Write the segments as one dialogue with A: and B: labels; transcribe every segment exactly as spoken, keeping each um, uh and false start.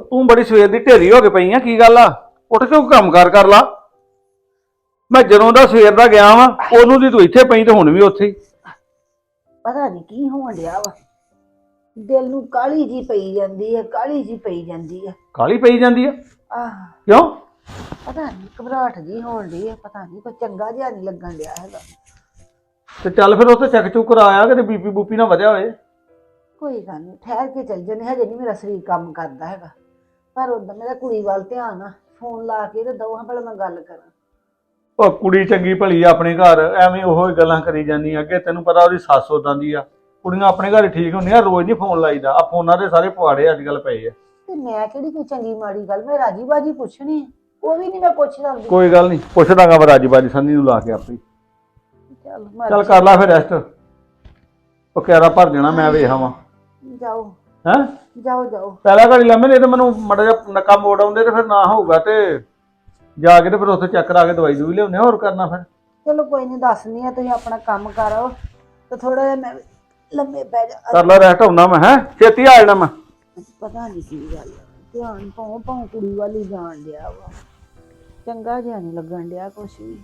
A: ਤੂੰ ਬੜੀ ਸਵੇਰ ਦੀ ਢੇਰੀ ਹੋ ਕੇ ਪਈ ਆ, ਕੀ ਗੱਲ ਆ? ਉੱਠ ਕੇ ਕੋਈ ਕੰਮ ਕਾਰ ਕਰ ਲਾ। ਮੈਂ ਜਦੋਂ ਦਾ ਸਵੇਰ ਦਾ ਗਿਆ ਵਾਂ, ਉਹਨੂੰ ਦੀ ਤੂੰ ਇੱਥੇ ਪਈ ਤੇ ਹੁਣ ਵੀ ਉੱਥੇ ਹੀ।
B: ਪਤਾ ਨਹੀਂ ਕੀ ਹੋਣ ਡਿਆ ਵਾ। ਦਿਲ ਨੂੰ ਕਾਲੀ ਜੀ ਪਈ ਜਾਂਦੀ ਹੈ, ਕਾਲੀ ਜੀ ਪਈ ਜਾਂਦੀ ਹੈ।
A: ਕਾਹਲੀ ਪਈ ਜਾਂਦੀ ਆ?
B: ਆਹ
A: ਕਿਉਂ?
B: ਪਤਾ ਨਹੀਂ ਘਬਰਾਹਟ ਜੀ ਹੋਣ ਡਈ ਹੈ, ਪਤਾ ਨਹੀਂ ਕੋਈ ਚੰਗਾ ਜਿਹਾ ਨਹੀਂ ਲੱਗਣ ਡਿਆ ਹੈਗਾ।
A: ਤੇ ਚੱਲ ਫਿਰ ਉੱਥੇ ਚੈੱਕ ਚੁੱਕ ਕਰਾਇਆ, ਕਿਤੇ ਬੀਪੀ ਬੂਪੀ ਨਾ ਵਧਿਆ ਹੋਏ।
B: ਕੋਈ ਗੱਲ ਨਹੀਂ, ਠਹਿਰ ਕੇ ਚੱਲ ਜੰਨੇ, ਹਜੇ ਨਹੀਂ ਮੇਰਾ ਸਰੀਰ ਕੰਮ ਕਰਦਾ ਹੈਗਾ। ਪਰ ਉਦੋਂ ਮੇਰਾ ਕੁੜੀ ਵੱਲ ਧਿਆਨ ਆ, ਫੋਨ ਲਾ ਕੇ ਤੇ ਦੋ ਹਾਂ ਭਲਾ ਮੈਂ ਗੱਲ ਕਰਾਂ।
A: ਉਹ ਕੁੜੀ ਚੰਗੀ ਭਲੀ ਆ ਆਪਣੇ ਘਰ, ਐਵੇਂ ਉਹੋ ਹੀ ਗੱਲਾਂ ਕਰੀ ਜਾਂਦੀ ਆ। ਅੱਗੇ ਤੈਨੂੰ ਪਤਾ ਉਹਦੀ ਸੱਸ ਉਦਾਂ ਦੀ ਆ। ਕੁੜੀਆਂ ਆਪਣੇ ਘਰ ਠੀਕ ਹੁੰਦੀਆਂ, ਰੋਜ਼ ਨਹੀਂ ਫੋਨ ਲਾਈਦਾ। ਆ ਫੋਨਾਂ ਦੇ ਸਾਰੇ ਪਵਾੜੇ ਅੱਜ ਕੱਲ ਪਏ ਆ।
B: ਤੇ ਮੈਂ ਕਿਹੜੀ ਕੋਈ ਚੰਗੀ ਮਾੜੀ ਗੱਲ, ਮੈਂ ਰਾਜੀ ਬਾਜੀ ਪੁੱਛਣੀ ਹੈ, ਉਹ ਵੀ ਨਹੀਂ ਮੈਂ ਪੁੱਛਦਾ ਹੁੰਦੀ।
A: ਕੋਈ ਗੱਲ ਨਹੀਂ, ਪੁੱਛਦਾਗਾ ਮੈਂ ਰਾਜੀ ਬਾਜੀ ਸੰਨੀ ਨੂੰ ਲਾ ਕੇ ਆਪੇ।
B: ਚੱਲ
A: ਚੱਲ ਕਰ ਲੈ ਫਿਰ ਰੈਸਟ, ਉਹ ਕਿਹੜਾ ਭਰ ਜਾਣਾ ਮੈਂ ਵੇਖ ਆਵਾਂ।
B: ਜਾਓ
A: ਹੈਂ
B: ਜਾਓ ਜਾਓ।
A: ਪਹਿਲਾਂ ਘੜੀ ਲੰਮੇ, ਨਹੀਂ ਤੇ ਮੈਨੂੰ ਮਾੜਾ ਜਿਹਾ ਨੱਕਾ ਮੋੜ ਆਉਂਦੇ ਤੇ ਫਿਰ ਨਾ ਹੋਊਗਾ, ਤੇ ਜਾ ਕੇ ਤੇ ਫਿਰ ਉੱਥੇ ਚੈੱਕ ਕਰਾ ਕੇ ਦਵਾਈ ਦੂਈ ਲਿਆਉਂਦੇ। ਹੋਰ ਕਰਨਾ ਫਿਰ?
B: ਚਲੋ ਕੋਈ ਨਹੀਂ, ਦੱਸਨੀ ਆ, ਤੁਸੀਂ ਆਪਣਾ ਕੰਮ ਕਰੋ ਤੇ ਥੋੜਾ ਜਿਹਾ ਮੈਂ ਲੰਮੇ ਪੈ ਜਾ।
A: ਕਰ ਲੈ ਰੈਸਟ, ਆਉਣਾ ਮੈਂ। ਹੈਂ ਛੇਤੀ ਆ ਜਾਣਾ ਮੈਂ।
B: ਪਤਾ ਨਹੀਂ ਕੀ ਗੱਲ ਆ, ਧਿਆਨ ਭਾਉ ਭਾਉ ਕੁੜੀ ਵੱਲ ਹੀ ਜਾਣ ਡਿਆ ਵਾ। ਚੰਗਾ ਜਿਹਾ ਨਹੀਂ ਲੱਗਣ ਡਿਆ ਕੁਛ ਵੀ।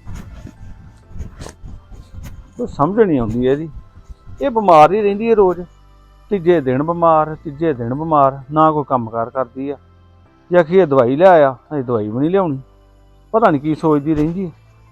A: ਤੂੰ ਸਮਝ ਨਹੀਂ ਆਉਂਦੀ ਇਹਦੀ। ਇਹ ਬਿਮਾਰ ਹੀ ਰਹਿੰਦੀ ਹੈ ਰੋਜ਼, ਤੀਜੇ ਦਿਨ ਬਿਮਾਰ, ਤੀਜੇ ਦਿਨ ਬਿਮਾਰ, ਨਾ ਕੋਈ ਕੰਮਕਾਰ ਕਰਦੀ ਆ। ਜੇ ਆਖੀਏ ਦਵਾਈ ਲੈ ਆਇਆ, ਅਜੇ ਦਵਾਈ ਵੀ ਨਹੀਂ ਲਿਆਉਣੀ। ਪਤਾ ਨਹੀਂ ਕੀ ਸੋਚਦੀ ਰਹਿੰਦੀ ਹੈ।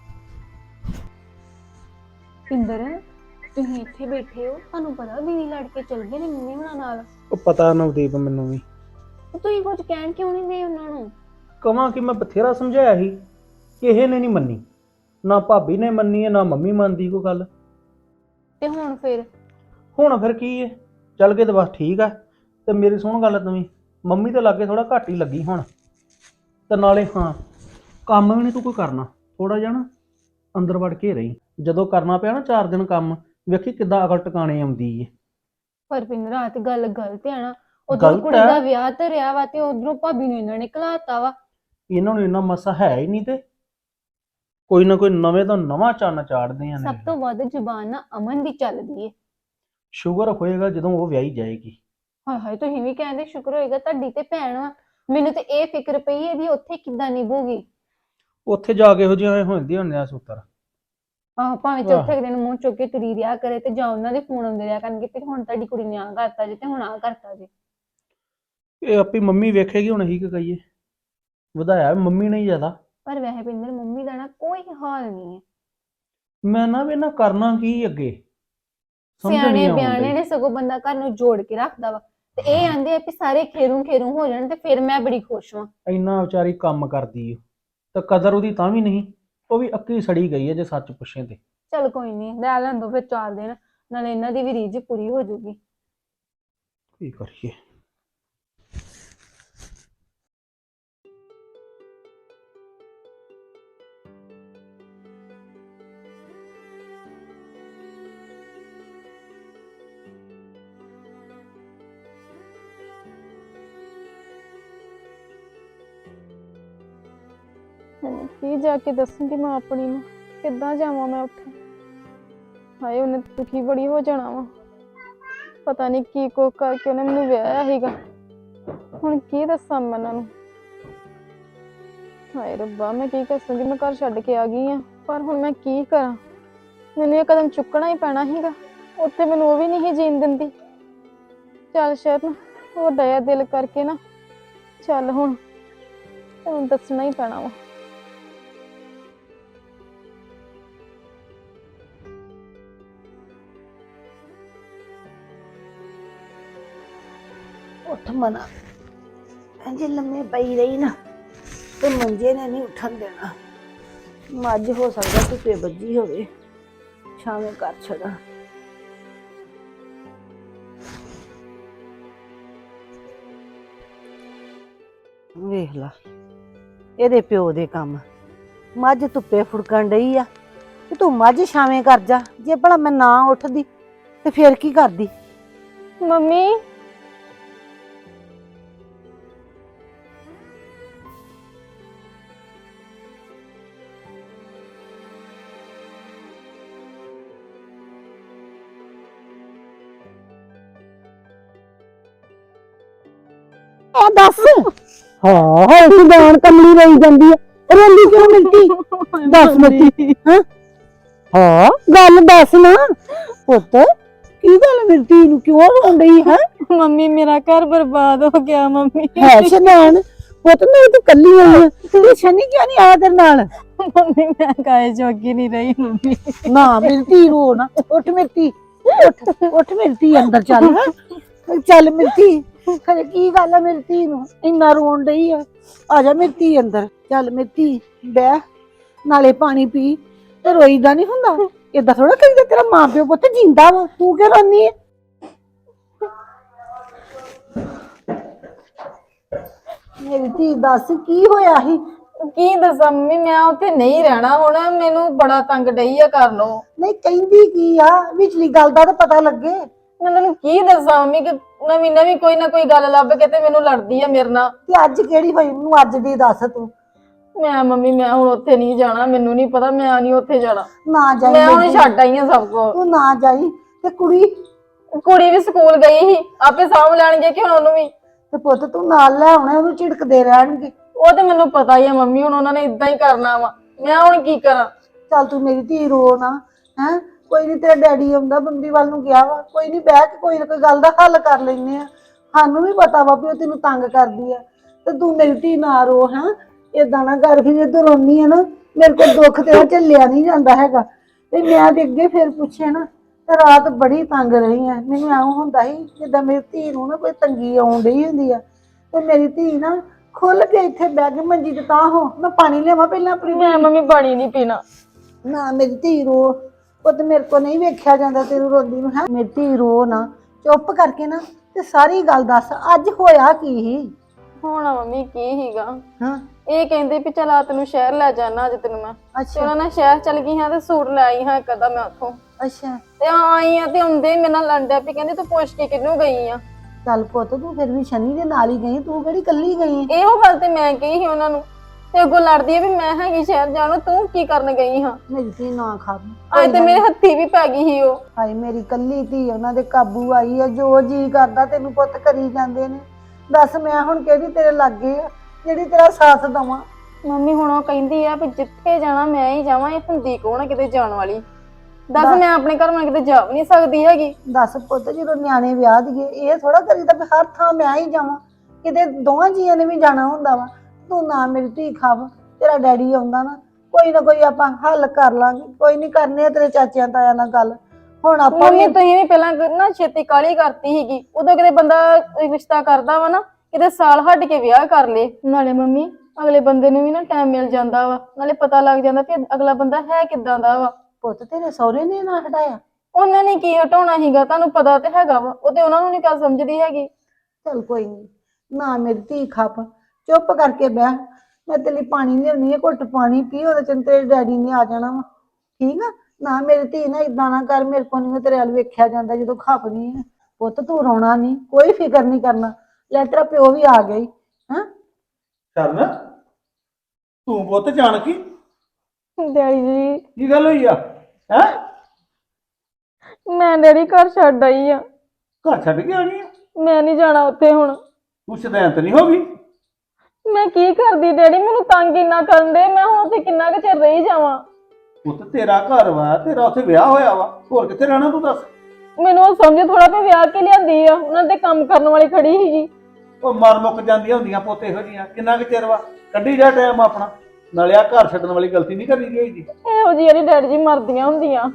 C: ਪਿੰਦਰ, ਤੁਸੀਂ ਇੱਥੇ ਬੈਠੇ ਹੋ, ਤੁਹਾਨੂੰ ਪਤਾ ਦੀਦੀ ਲੜ ਕੇ ਚਲ ਗਏ ਨੇ ਮੰਮੀ ਹੁਣਾਂ ਨਾਲ।
D: ਉਹ ਪਤਾ ਨਵਦੀਪ ਮੈਨੂੰ ਵੀ।
C: ਤੁਸੀਂ ਕੁਝ ਕਹਿਣ ਕਿਉਂ ਨਹੀਂ ਦੇ ਉਹਨਾਂ ਨੂੰ?
D: ਕਵਾਂ ਕਿ ਮੈਂ ਬਥੇਰਾ ਸਮਝਾਇਆ ਸੀ, ਕਿਸੇ ਨੇ ਨਹੀਂ ਮੰਨੀ। ਨਾ ਭਾਬੀ ਨੇ ਮੰਨੀ ਹੈ, ਨਾ ਮੰਮੀ ਮੰਨਦੀ ਕੋਈ ਗੱਲ।
C: ਤੇ ਹੁਣ ਫਿਰ?
D: ਹੁਣ ਫਿਰ ਕੀ ਹੈ, ਚੱਲ ਗਏ ਤਾਂ ਬਸ ਠੀਕ ਆ। ਤੇ ਮੇਰੀ ਸੁਣ ਗੱਲ, ਤੂੰ ਮੰਮੀ ਤੇ ਲਾਗੇ ਥੋੜਾ ਘੱਟ ਹੀ ਲੱਗੀ ਹੁਣ। ਤੇ ਨਾਲੇ ਹਾਂ, ਕੰਮ ਵੀ ਨਹੀਂ ਤੂੰ ਕੋਈ ਕਰਨਾ, ਥੋੜਾ ਜਿਹਾ ਨਾ ਅੰਦਰ ਵੜ ਕੇ ਰਹੀ। ਜਦੋਂ ਕਰਨਾ ਪਿਆ ਨਾ ਚਾਰ ਦਿਨ ਕੰਮ, ਵੇਖੀ ਕਿੱਦਾਂ ਅਕਲ ਟਿਕਾਣੇ ਆਉਂਦੀ ਏ।
C: ਪਰ ਪਿੰਦਰ, ਆ ਤੇ ਗੱਲ ਗਲਤ ਹੈ ਨਾ। ਉਧਰ
D: ਗਲਤ
C: ਕੁੜੀ
D: ਹੈ?
C: ਦਾ ਵਿਆਹ ਧਰਿਆ ਵਾ ਤੇ ਉਧਰੋਂ ਭਾਬੀ ਨੂੰ ਇਹਨਾਂ ਨੇ ਘਲਾਤਾ ਵਾ।
D: ਇਹਨਾਂ ਨੂੰ ਇੰਨਾ ਮਸਾ ਹੈ ਹੀ ਨਹੀਂ, ਤੇ ਕੋਈ ਨਾ ਕੋਈ ਨਵੇਂ ਤੋਂ ਨਵਾਂ ਚੰਨ ਚਾੜਦੇ ਆ।
C: ਸਭ ਤੋਂ ਵੱਧ ਜ਼ੁਬਾਨ ਨਾ ਅਮਨ ਦੀ ਚੱਲਦੀ ਏ।
D: ਸ਼ੂਗਰ ਹੋਏਗਾ ਜਦੋਂ ਉਹ ਵਿਆਹੀ ਜਾਏਗੀ।
C: ਹਾਏ ਹਾਏ, ਤੁਸੀਂ ਵੀ ਕਹਿੰਦੇ ਸ਼ੁਕਰ ਹੋਏਗਾ ਤੁਹਾਡੀ ਤੇ ਭੈਣ ਵਾ। ਮੈਨੂੰ ਤੇ ਇਹ ਫਿਕਰ ਪਈ ਇਹਦੀ ਉੱਥੇ ਕਿੱਦਾਂ ਨਿਭੂਗੀ।
D: ਉੱਥੇ ਜਾ ਕੇ ਇਹੋ ਜਿਹੀਆਂ ਹੁੰਦੀਆਂ ਹੁੰਦੀਆਂ ਸੂਤਰ।
C: ਆਹ ਭਾਵੇਂ ਚੌਥੇ ਦਿਨ ਮੂੰਹ ਚੁੱਕ ਕੇ ਤੁਰੀ ਰਿਹਾ ਕਰੇ, ਤੇ ਜਾਂ ਉਹਨਾਂ ਦੇ ਫੋਨ ਆਉਂਦੇ ਰਿਹਾ ਕਰਨਗੇ ਤੇ ਹੁਣ ਤੁਹਾਡੀ ਕੁੜੀ ਨੇ ਆਹ ਕਰਤਾ ਜੇ, ਤੇ ਹੁਣ ਆਹ ਕਰਤਾ ਜੇ।
D: ਇਹ ਆਪੀ ਮੰਮੀ ਵੇਖੇਗੀ, ਹੁਣ ਅਸੀਂ ਕੀ ਕਹੀਏ। ਵਧਾਇਆ ਮੰਮੀ ਨੇ ਜ਼ਿਆਦਾ।
C: ਪਰ ਵੈਸੇ ਪਿੰਦਰ, ਮੰਮੀ ਦਾ ਨਾ ਕੋਈ ਹਾਲ ਨਹੀਂ ਹੈ।
D: ਮੈਂ ਨਾ ਵੀ ਨਾ ਕਰਨਾ ਕੀ ਅੱਗੇ, ਸਮਝ
C: ਸਿਆਣੇ
D: ਨਹੀਂ
C: ਬਿਆਣੇ
D: ਆਉਂਦੀ।
C: ਨੇ ਸਗੋਂ ਬੰਦਾ ਘਰ ਨੂੰ ਜੋੜ ਕੇ ਰੱਖਦਾ ਵਾ। ਤੇ ਇਹ ਆਂਦੇ ਆ ਵੀ ਸਾਰੇ ਖੇਰੂ ਖੇਰੂ ਹੋ ਜਾਣ ਤੇ ਫਿਰ ਮੈਂ ਬੜੀ ਖੁਸ਼ ਹਾਂ।
D: ਇੰਨਾ ਵਿਚਾਰੀ ਕੰਮ ਕਰਦੀ ਓ, ਤੇ ਕਦਰ ਉਹਦੀ ਤਾਂ ਵੀ ਨਹੀਂ। ਉਹ ਵੀ ਅੱਕੀ ਸੜੀ ਗਈ ਹੈ ਜੇ ਸੱਚ ਪੁੱਛੇ ਤੇ।
C: ਚਲ ਕੋਈ ਨਹੀਂ, ਲੈ ਲੈਂਦੋ ਫਿਰ ਚਾਰ ਦਿਨ, ਨਾਲੇ ਇਹਨਾਂ ਦੀ ਵੀ ਰੀਝ ਪੂਰੀ ਹੋ ਜਾਊਗੀ।
D: ਕੀ ਕਰੀਏ।
E: ਕੀ ਜਾ ਕੇ ਦੱਸੂਗੀ ਮੈਂ ਆਪਣੀ ਨੂੰ, ਕਿੱਦਾਂ ਜਾਵਾਂ ਮੈਂ ਉੱਥੇ। ਹਾਏ, ਉਹਨੇ ਦੁਖੀ ਬੜੀ ਹੋ ਜਾਣਾ ਵਾ। ਪਤਾ ਨਹੀਂ ਕੀ ਕੋ ਕਰਕੇ ਉਹਨੇ ਮੈਨੂੰ ਵਿਆਹਿਆ ਸੀਗਾ। ਹੁਣ ਕੀ ਦੱਸਾਂ ਮੈਂ ਉਹਨਾਂ ਨੂੰ। ਹਾਏ ਰੱਬਾ, ਮੈਂ ਕੀ ਦੱਸੂਗੀ। ਮੈਂ ਘਰ ਛੱਡ ਕੇ ਆ ਗਈ ਆ, ਪਰ ਹੁਣ ਮੈਂ ਕੀ ਕਰਾਂ। ਮੈਨੂੰ ਇਹ ਕਦਮ ਚੁੱਕਣਾ ਹੀ ਪੈਣਾ ਸੀਗਾ। ਉੱਥੇ ਮੈਨੂੰ ਉਹ ਵੀ ਨਹੀਂ ਸੀ ਜੀਣ ਦਿੰਦੀ। ਚੱਲ ਸ਼ਰਨ, ਵੱਡਾ ਜਿਹਾ ਦਿਲ ਕਰਕੇ ਨਾ ਚੱਲ, ਹੁਣ ਤੈਨੂੰ ਦੱਸਣਾ ਹੀ ਪੈਣਾ ਵਾ।
B: ਉੱਠ ਮਨਾ, ਇੰਝ ਲੰਮੇ ਪਈ ਰਹੀ ਨਾ ਤੇ ਮੰਜੇ ਨੇ ਨਹੀਂ ਉੱਠਣ ਦੇਣਾ। ਮੱਝ ਹੋ ਸਕਦਾ ਧੁੱਪੇ ਵੱਜੀ ਹੋਵੇ, ਛਾਵੇਂ ਕਰ ਛੱਡਾ। ਵੇਖ ਲਾ ਇਹਦੇ ਪਿਓ ਦੇ ਕੰਮ। ਮੱਝ ਧੁੱਪੇ ਫੁੜਕਣ ਡਈ ਆ ਤੇ ਤੂੰ ਮੱਝ ਛਾਵੇਂ ਕਰ ਜਾ। ਜੇ ਭਲਾ ਮੈਂ ਨਾ ਉੱਠਦੀ ਤੇ ਫਿਰ ਕੀ ਕਰਦੀ?
E: ਮੰਮੀ,
B: ਆ ਦੱਸ ਹਾਂ ਹਾਂ ਤੂੰ ਜਾਣ ਕਮਲੀ ਰਹੀ ਜਾਂਦੀ ਹੈ ਰੋਂਦੀ ਕਿਉਂ ਮਿਲਤੀ ਦੱਸ ਮਿਲਤੀ ਹਾਂ ਹਾਂ ਗੱਲ ਦੱਸ ਨਾ ਪੁੱਤ ਕੀ ਗੱਲ ਮਿਲਤੀ ਨੂੰ ਕਿਉਂ ਰੋਣ ਰਹੀ ਹੈ
E: ਮੰਮੀ ਮੇਰਾ ਘਰ ਬਰਬਾਦ ਹੋ ਗਿਆ ਮੰਮੀ
B: ਹੈ ਸ਼ਨਾਨ ਪੁੱਤ ਮੈਂ ਤੂੰ ਕੱਲੀ ਆਈ ਆ ਤੂੰ ਸ਼ਨੀ ਕਿਉਂ ਨਹੀਂ ਆਇਆ ਤੇਰੇ ਨਾਲ
E: ਮੰਮੀ ਮੈਂ ਕਾਏ ਜੋਗੀ ਨਹੀਂ ਰਹੀ ਮੰਮੀ
B: ਨਾ ਮਿਲਤੀ ਰੋ ਨਾ ਉੱਠ ਮਿਲਤੀ ਉੱਠ ਉੱਠ ਮਿਲਤੀ ਅੰਦਰ ਚੱਲ ਹੈਂ। ਚੱਲ ਮਿਲਤੀ ਖਰੇ ਕੀ ਗੱਲ ਆ ਮਿਲਤੀ ਨੂੰ ਇੰਨਾ ਰੋਣ ਡਈ ਆ ਆ ਜਾ ਮਿਲਤੀ ਅੰਦਰ ਚੱਲ ਮਿਲਤੀ ਬਹਿ ਨਾਲੇ ਪਾਣੀ ਪੀ ਤੇ ਰੋਈਦਾ ਨਹੀਂ ਹੁੰਦਾ ਏਦਾਂ ਥੋੜਾ ਕਰੀਦਾ ਤੇਰਾ ਮਾਂ ਪਿਓ ਪੁੱਤ ਜਿੰਦਾ ਵਾ ਤੂੰ ਕਿਉਂ ਰੋਨੀ ਹੈ ਮੇਰੀ ਧੀ ਦੱਸ ਕੀ ਹੋਇਆ ਸੀ
E: ਕੀ ਦੱਸਾਂ ਮੰਮੀ ਮੈਂ ਉੱਥੇ ਨਹੀਂ ਰਹਿਣਾ ਹੁਣ ਮੈਨੂੰ ਬੜਾ ਤੰਗ ਡਈ ਆ ਕਰ ਲੋ
B: ਨਹੀਂ ਕਹਿੰਦੀ ਕੀ ਆ ਵਿਚਲੀ ਗੱਲ ਦਾ ਤਾਂ ਪਤਾ ਲੱਗੇ
E: ਮੈਂ ਤੈਨੂੰ ਕੀ ਦੱਸਾਂ ਮੰਮੀ ਕਿ ਨਵੀਂ ਨਵੀਂ ਕੋਈ ਨਾ ਕੋਈ ਗੱਲ ਲੱਭ ਕੇ ਤੇ ਮੈਨੂੰ ਲੜਦੀ ਆ ਮੇਰੇ ਨਾਲ
B: ਤੇ ਅੱਜ ਕਿਹੜੀ ਹੋਈ ਮੈਨੂੰ ਅੱਜ ਦੀ ਦੱਸ ਤੂੰ
E: ਮੈਂ ਮੰਮੀ ਮੈਂ ਹੁਣ ਉੱਥੇ ਨਹੀਂ ਜਾਣਾ ਮੈਨੂੰ ਨਹੀਂ ਪਤਾ ਮੈਂ ਨਹੀਂ ਉੱਥੇ ਜਾਣਾ
B: ਨਾ ਜਾਈ
E: ਮੈਂ ਹੁਣ
B: ਮੇਰੀ
E: ਛੱਡ ਆਈ ਆ ਸਭ ਕੁਝ
B: ਤੂੰ ਨਾ ਜਾਈ ਤੇ ਕੁੜੀ
E: ਕੁੜੀ ਵੀ ਸਕੂਲ ਗਈ ਸੀ ਆਪੇ ਸਾਂਭ ਲੈਣਗੇ ਕਿ ਹੁਣ ਉਹਨੂੰ ਵੀ
B: ਤੇ ਪੁੱਤ ਤੂੰ ਨਾਲ ਲੈ ਆਉਣਾ ਉਹਨੂੰ ਝਿੜਕਦੇ ਰਹਿਣਗੇ
E: ਉਹ ਤੇ ਮੈਨੂੰ ਪਤਾ ਹੀ ਆ ਮੰਮੀ ਹੁਣ ਉਹਨਾਂ ਨੇ ਇਦਾਂ ਹੀ ਕਰਨਾ ਵਾ ਮੈਂ ਹੁਣ ਕੀ ਕਰਾਂ
B: ਚੱਲ ਤੂੰ ਮੇਰੀ ਧੀ ਰੋ ਨਾ ਹੈ ਕੋਈ ਨਹੀਂ ਤੇਰਾ ਡੈਡੀ ਆਉਂਦਾ ਬੰਬੀ ਵੱਲ ਨੂੰ ਗਿਆ ਵਾ ਕੋਈ ਨਹੀਂ ਬਹਿ ਕੇ ਕੋਈ ਨਾ ਕੋਈ ਗੱਲ ਦਾ ਹੱਲ ਕਰ ਲੈਨੇ ਆ ਸਾਨੂੰ ਵੀ ਪਤਾ ਵਾ ਵੀ ਉਹ ਤੈਨੂੰ ਤੰਗ ਕਰਦੀ ਆ ਤੇ ਤੂੰ ਮੇਰੀ ਧੀ ਨਾ ਰੋ ਹੈ ਏਦਾਂ ਨਾ ਕਰ ਫਿਰ ਜਦੋਂ ਰੋਨੀ ਆ ਨਾ ਮੇਰੇ ਕੋਲ ਦੁੱਖ ਤੇਰਾ ਝੱਲਿਆ ਨਹੀਂ ਜਾਂਦਾ ਹੈਗਾ ਤੇ ਮੈਂ ਤੇ ਅੱਗੇ ਫਿਰ ਪੁੱਛਿਆ ਨਾ ਤੇ ਰਾਤ ਬੜੀ ਤੰਗ ਰਹੀ ਆ ਮੈਨੂੰ ਐਂ ਹੁੰਦਾ ਸੀ ਜਿੱਦਾਂ ਮੇਰੀ ਧੀ ਨੂੰ ਨਾ ਕੋਈ ਤੰਗੀ ਆਉਣ ਡਈ ਹੁੰਦੀ ਆ ਤੇ ਮੇਰੀ ਧੀ ਨਾ ਖੁੱਲ ਕੇ ਇੱਥੇ ਬਹਿ ਕੇ ਮੰਜੀ ਤੇ ਤਾਂ ਹੋ ਮੈਂ ਪਾਣੀ ਲਿਆਵਾਂ ਪਹਿਲਾਂ ਆਪਣੀ
E: ਮੈਂ ਮੰਮੀ ਪਾਣੀ ਨਹੀਂ ਪੀਣਾ
B: ਨਾ ਮੇਰੀ ਧੀ ਰੋ ਉਹ ਤੇ ਮੇਰੇ ਕੋ ਨਹੀਂ ਵੇਖਿਆ ਜਾਂਦਾ ਤੈਨੂੰ ਰੋਂਦੀ ਨੂੰ ਹੈ ਮੇਰੀ ਧੀ ਰੋ ਨਾ ਚੁੱਪ ਕਰਕੇ ਨਾ ਤੇ ਸਾਰੀ ਗੱਲ ਦੱਸ ਅੱਜ ਹੋਇਆ ਕੀ ਸੀ
E: ਹੋਣਾ ਮੰਮੀ ਕੀ ਹੀਗਾ
B: ਹਾਂ
E: ਇਹ ਕਹਿੰਦੇ ਵੀ ਚਲ ਆ ਤੈਨੂੰ ਸ਼ਹਿਰ ਲੈ ਜਾਣਾ ਅੱਜ ਤੈਨੂੰ ਮੈਂ ਤੇ
B: ਅੱਛਾ
E: ਉਹਨਾਂ ਨੇ ਸ਼ਹਿਰ ਚਲ ਗਈ ਹਾਂ ਤੇ ਸੂਟ ਲੈ ਆਈ ਹਾਂ ਇੱਕ ਅੱਧਾ ਮੈਂ ਉੱਥੋਂ
B: ਅੱਛਾ
E: ਤੇ ਆਈ ਆ ਤੇ ਹੁੰਦੇ ਮੇਰੇ ਨਾਲ ਲੰਡਿਆ ਵੀ ਕਹਿੰਦੇ ਤੂੰ ਪੁੱਛ ਕੇ ਕਿਹਨੂੰ ਗਈ ਆ
B: ਚੱਲ ਪੁੱਤ ਤੂੰ ਫਿਰ ਵੀ ਸ਼ਨੀ ਦੇ ਨਾਲ ਹੀ ਗਈ ਤੂੰ ਕਿਹੜੀ ਕੱਲੀ ਗਈ
E: ਇਹੋ ਗੱਲ ਤੇ ਮੈਂ ਕਹੀ ਸੀ ਉਹਨਾਂ ਨੂੰ ਤੇ ਅੱਗੋਂ ਲੜਦੀ ਆ ਵੀ ਮੈਂ ਹੈਗੀ ਸ਼ਹਿਰ ਜਾਣਾ ਤੂੰ ਕੀ ਕਰਨ ਗਈ ਹਾਂ
B: ਮੇਰੀ ਧੀ ਨਾ ਖਾ
E: ਅੱਜ ਤੇ ਮੇਰੇ ਹੱਥੀ ਵੀ ਪੈ ਗਈ ਸੀ ਉਹ
B: ਹਾਏ ਮੇਰੀ ਕੱਲੀ ਧੀ ਉਹਨਾਂ ਦੇ ਕਾਬੂ ਆਈ ਆ ਜੋ ਜੀ ਕਰਦਾ ਤੈਨੂੰ ਪੁੱਤ ਕਰੀ ਜਾਂਦੇ ਨੇ ਦੱਸ ਮੈਂ ਹੁਣ ਕਿਹੜੀ ਤੇਰੇ ਲਾਗੇ ਆ ਜਿਹੜੀ ਤੇਰਾ ਸਾਥ ਦਵਾਂ
E: ਮੰਮੀ ਹੁਣ ਉਹ ਕਹਿੰਦੀ ਆ ਵੀ ਜਿੱਥੇ ਜਾਣਾ ਮੈਂ ਹੀ ਜਾਵਾਂ ਇਹ ਹੁੰਦੀ ਕੌਣ ਆ ਕਿਤੇ ਜਾਣ ਵਾਲੀ ਦੱਸ ਮੈਂ ਆਪਣੇ ਘਰ ਮੈਂ ਕਿਤੇ ਜਾ ਵੀ ਨਹੀਂ ਸਕਦੀ ਹੈਗੀ
B: ਦੱਸ ਪੁੱਤ ਜਦੋਂ ਨਿਆਣੇ ਵਿਆਹ ਦੀਏ ਇਹ ਥੋੜਾ ਕਰੀਦਾ ਵੀ ਹਰ ਥਾਂ ਮੈਂ ਹੀ ਜਾਵਾਂ ਕਿਤੇ ਦੋਵਾਂ ਜੀਆਂ ਨੇ ਵੀ ਜਾਣਾ ਹੁੰਦਾ ਵਾ ਤੂੰ ਨਾ ਮੇਰੀ ਧੀ ਖਾਵ ਤੇਰਾ ਡੈਡੀ ਆਉਂਦਾ ਨਾ ਕੋਈ ਨਾ ਕੋਈ ਆਪਾਂ ਹੱਲ ਕਰ ਲਾਂਗੇ ਕੋਈ ਨਹੀਂ ਕਰਨੇ ਆ ਤੇਰੇ ਚਾਚਿਆਂ ਤਾਇਆਂ ਨਾਲ ਗੱਲ ਹੁਣ ਆਪਾਂ
E: ਮੰਮੀ ਤੁਸੀਂ ਵੀ ਪਹਿਲਾਂ ਨਾ ਛੇਤੀ ਕਾਲੀ ਕਰਤੀ ਸੀਗੀ ਉਦੋਂ ਕਿਤੇ ਬੰਦਾ ਰਿਸ਼ਤਾ ਕਰਦਾ ਵਾ ਨਾ ਕਿਤੇ ਸਾਲ ਹੱਟ ਕੇ ਵਿਆਹ ਕਰ ਲੇ ਨਾਲੇ ਮੰਮੀ ਅਗਲੇ ਬੰਦੇ ਨੂੰ ਵੀ ਨਾ ਟਾਈਮ ਮਿਲ ਜਾਂਦਾ ਵਾ ਨਾਲੇ ਪਤਾ ਲੱਗ ਜਾਂਦਾ ਕਿ ਅਗਲਾ ਬੰਦਾ ਹੈ ਕਿੱਦਾਂ ਦਾ ਵਾ
B: ਪੁੱਤ ਤੇਰੇ ਸਹੁਰੇ ਨੇ ਨਾ ਹਟਾਇਆ
E: ਉਹਨਾਂ ਨੇ ਕੀ ਹਟਾਉਣਾ ਸੀਗਾ ਤੁਹਾਨੂੰ ਪਤਾ ਤੇ ਹੈਗਾ ਵਾ ਉਹ ਤੇ ਉਹਨਾਂ ਨੂੰ ਨਹੀਂ ਗੱਲ ਸਮਝਦੀ ਹੈਗੀ
B: ਚੱਲ ਕੋਈ ਨਹੀਂ ਨਾ ਮੇਰੀ ਧੀ ਖੱਪ ਚੁੱਪ ਕਰਕੇ ਬਹਿ ਮੈਂ ਤੇਰੇ ਲਈ ਪਾਣੀ ਲਿਆਉਣੀ ਹੈ ਘੁੱਟ ਪਾਣੀ ਪੀ ਉਹਦੇ ਚ ਤੇਰੇ ਡੈਡੀ ਨੇ ਆ ਜਾਣਾ ਵਾ ਠੀਕ ਆ ਨਾ ਮੇਰੀ ਧੀ ਨਾ ਇਦਾਂ ਨਾ ਕਰ ਮੇਰੇ ਕੋਲ ਨਹੀਂ ਤੇਰੇ ਵੱਲ ਵੇਖਿਆ ਜਾਂਦਾ ਜਦੋਂ ਖਪਨੀ ਹੈ ਪੁੱਤ ਤੂੰ ਰੋਣਾ ਨਹੀਂ ਕੋਈ ਫਿਕਰ ਨਹੀਂ ਕਰਨਾ ਲੈ ਤੇਰਾ ਪਿਓ ਵੀ ਆ ਗਈ ਹਾਂ
A: ਕਰਨ ਤੂੰ ਪੁੱਤ ਜਾਣ ਕੀ
E: ਡੈਡੀ ਜੀ
A: ਕੀ ਗੱਲ ਹੋਈ ਆ ਹੈ
E: ਮੈਂ ਡੈਡੀ ਘਰ ਛੱਡ ਆਈ ਆ
A: ਘਰ ਛੱਡ ਕੇ ਆਣੀ ਆ
E: ਮੈਂ ਨਹੀਂ ਜਾਣਾ ਉੱਥੇ ਹੁਣ
A: ਤੂੰ ਸ਼ਦੈਂਤ ਨਹੀਂ ਹੋ ਗਈ
E: ਮੈਂ ਕੀ ਕਰਦੀ ਡੈਡੀ ਮੈਨੂੰ ਤੰਗ ਇੰਨਾ ਕਰਨ ਦੇ ਮੈਂ ਹੁਣ ਉੱਥੇ ਕਿੰਨਾ ਕੁ ਚਿਰ ਰਹੀ ਜਾਵਾਂ
A: ਪੁੱਤ ਤੇਰਾ ਘਰ ਵਾ ਤੇਰਾ ਉੱਥੇ ਵਿਆਹ ਹੋਇਆ ਵਾ ਹੋਰ ਕਿੱਥੇ ਰਹਿਣਾ ਤੂੰ ਦੱਸ
E: ਮੈਨੂੰ ਉਹ ਸਮਝ ਥੋੜਾ ਪਿਆ ਵਿਆਹ ਕੇ ਲਿਆਂਦੀ ਆ ਉਹਨਾਂ ਦੇ ਕੰਮ ਕਰਨ ਵਾਲੀ ਖੜੀ ਸੀਗੀ
A: ਉਹ ਮਰ ਮੁੱਕ ਜਾਂਦੀਆਂ ਹੁੰਦੀਆਂ ਪੁੱਤ ਇਹੋ ਜੀਆਂ ਕਿੰਨਾ ਕੁ ਚਿਰ ਵਾ ਕੱਢੀ ਜਾ ਟਾਈਮ ਆਪਣਾ ਨਾਲੇ ਆ ਘਰ ਛੱਡਣ ਵਾਲੀ ਗਲਤੀ ਨਹੀਂ ਕਰਨੀ ਚਾਹੀਦੀ
E: ਇਹੋ ਜਿਹੀ ਯਾਰੀ ਡੈਡੀ ਜੀ ਮਰਦੀਆਂ ਹੁੰਦੀਆਂ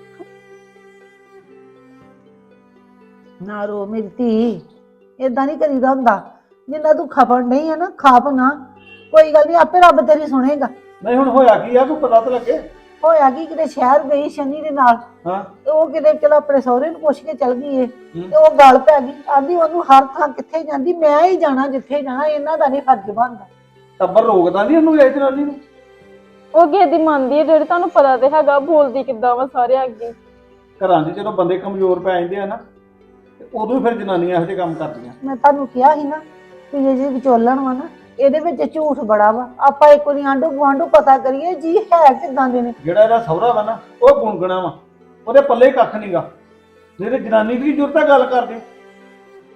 B: ਨਾ ਰੋ ਮੇਰੀ ਧੀ ਏਦਾਂ ਨਹੀਂ ਕਰੀਦਾ ਹੁੰਦਾ ਜਿੰਨਾ ਤੂੰ ਖਪਣ ਨਹੀਂ ਹੈ ਨਾ ਖਾਪ ਨਾ ਕੋਈ ਗੱਲ ਨਹੀਂ ਆਪੇ ਰੱਬ ਤੇਰੀ ਸੁਣੇਗਾ
A: ਨਹੀਂ ਹੁਣ ਹੋਇਆ ਕੀ ਆ ਕੋਈ ਪਤਾ ਤਾਂ ਲੱਗੇ
B: ਹੋਇਆ ਕੀ ਕਿਤੇ ਸ਼ਹਿਰ ਗਈ ਸ਼ਨੀ ਦੇ ਨਾਲ
A: ਹਾਂ
B: ਤੇ ਉਹ ਕਿਤੇ ਚਲ ਆਪਣੇ ਸਹੁਰੇ ਨੂੰ ਪੁੱਛ ਕੇ ਚਲ ਗਈ ਏ ਤੇ ਉਹ ਗੱਲ ਪੈ ਗਈ ਆਂਦੀ ਉਹਨੂੰ ਹਰ ਥਾਂ ਕਿੱਥੇ ਜਾਂਦੀ ਮੈਂ ਹੀ ਜਾਣਾ ਜਿੱਥੇ ਜਾਣਾ ਇਹਨਾਂ ਦਾ ਨਹੀਂ ਫਰਜ਼ ਬਣਦਾ
A: ਟੱਬਰ ਰੋਕਦਾ ਨਹੀਂ ਉਹਨੂੰ ਇਹ ਜਨਾਨੀ ਨੂੰ
E: ਉਹ ਕਿਸੇ ਦੀ ਮੰਨਦੀ ਹੈ ਜਿਹੜੀ ਤੁਹਾਨੂੰ ਪਤਾ ਤੇ ਹੈਗਾ ਬੋਲਦੀ ਕਿੱਦਾਂ ਵਾ ਸਾਰੇ ਅੱਗੇ
A: ਘਰਾਂ 'ਚ ਜਦੋਂ ਬੰਦੇ ਕਮਜ਼ੋਰ ਪੈ ਜਾਂਦੇ ਆ ਨਾ ਤੇ ਉਦੋਂ ਫਿਰ ਜਨਾਨੀਆਂ ਇਹੋ ਜਿਹੇ ਕੰਮ ਕਰਦੀਆਂ
B: ਮੈਂ ਤੁਹਾਨੂੰ ਕਿਹਾ ਸੀ ਨਾ ਕਿ ਇਹ ਜੇ ਵਿਚੋਲਣ ਵਾ ਨਾ ਇਹਦੇ ਵਿੱਚ ਝੂਠ ਬੜਾ ਵਾ ਆਪਾਂ ਇੱਕ ਵਾਰੀ ਆਂਢੂ ਗੁਆਂਢੂ ਪਤਾ ਕਰੀਏ ਜੀ ਹੈ ਕਿਦਾਂ ਦੇ ਨੇ
A: ਜਿਹੜਾ ਇਹਦਾ ਸਹੁਰਾ ਵਾ ਨਾ ਉਹ ਗੁੰਗਣਾ ਵਾ ਉਹਦੇ ਪੱਲੇ ਕੱਖ ਨਹੀਂਗਾ ਜਿਹੜੇ ਜਨਾਨੀ ਦੀ ਜ਼ਰੂਰਤ ਆ ਗੱਲ ਕਰਦੇ